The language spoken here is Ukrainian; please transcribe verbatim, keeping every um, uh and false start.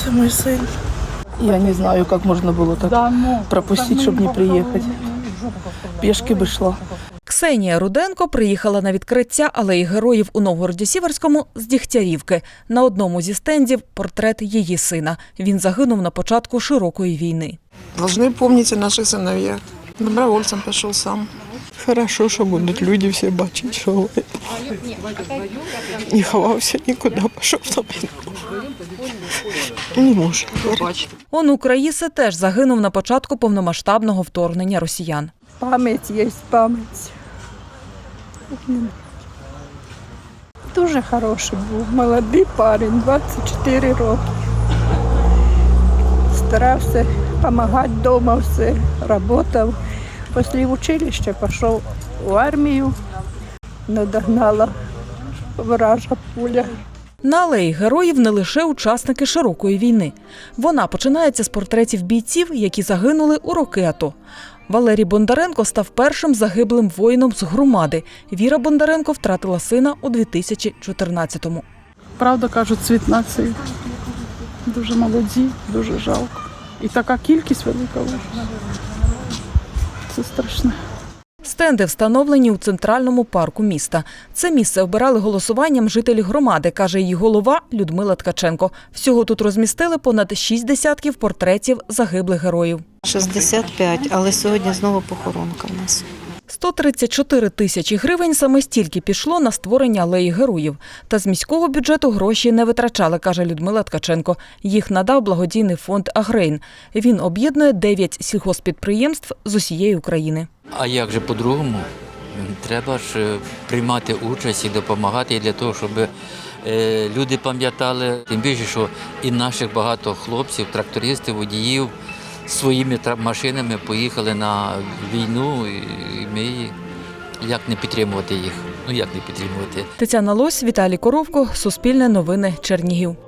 Це мій син. Я не знаю, як можна було так пропустити, щоб не приїхати. Пішки би йшла. Ксенія Руденко приїхала на відкриття алеї героїв у Новгороді-Сіверському з Дігтярівки. На одному зі стендів – портрет її сина. Він загинув на початку широкої війни. Должны помнить о наших сыновьях. Добровольцем пішов сам. Хорошо, що будуть люди всі бачити, що не ховався нікуди, пішов на війну. Не може. Онук Раїси теж загинув на початку повномасштабного вторгнення росіян. Пам'ять є пам'ять. Дуже хороший був, молодий парень, двадцять чотири роки. Старався допомагати вдома, все, працював. Після училища пішов в армію, не догнала ворожа пуля. На алеї героїв не лише учасники широкої війни. Вона починається з портретів бійців, які загинули у роки АТО. Валерій Бондаренко став першим загиблим воїном з громади. Віра Бондаренко втратила сина у дві тисячі чотирнадцятому. Правда, кажуть, цвіт нації. Дуже молоді, дуже жалко. І така кількість велика. Це страшне. Стенди встановлені у центральному парку міста. Це місце обирали голосуванням жителі громади, каже її голова Людмила Ткаченко. Всього тут розмістили понад шість десятків портретів загиблих героїв. шістдесят п'ять, але сьогодні знову похоронка в нас. сто тридцять чотири тисячі гривень саме стільки пішло на створення алеї героїв. Та з міського бюджету гроші не витрачали, каже Людмила Ткаченко. Їх надав благодійний фонд «Агрейн». Він об'єднує дев'ять сільгосппідприємств з усієї України. А як же по-другому? Треба ж приймати участь і допомагати для того, щоб люди пам'ятали. Тим більше, що і наших багато хлопців, трактористів, водіїв своїми машинами поїхали на війну, і ми як не підтримувати їх? Ну як не підтримувати? Тетяна Лось, Віталій Коровко, Суспільне новини, Чернігів.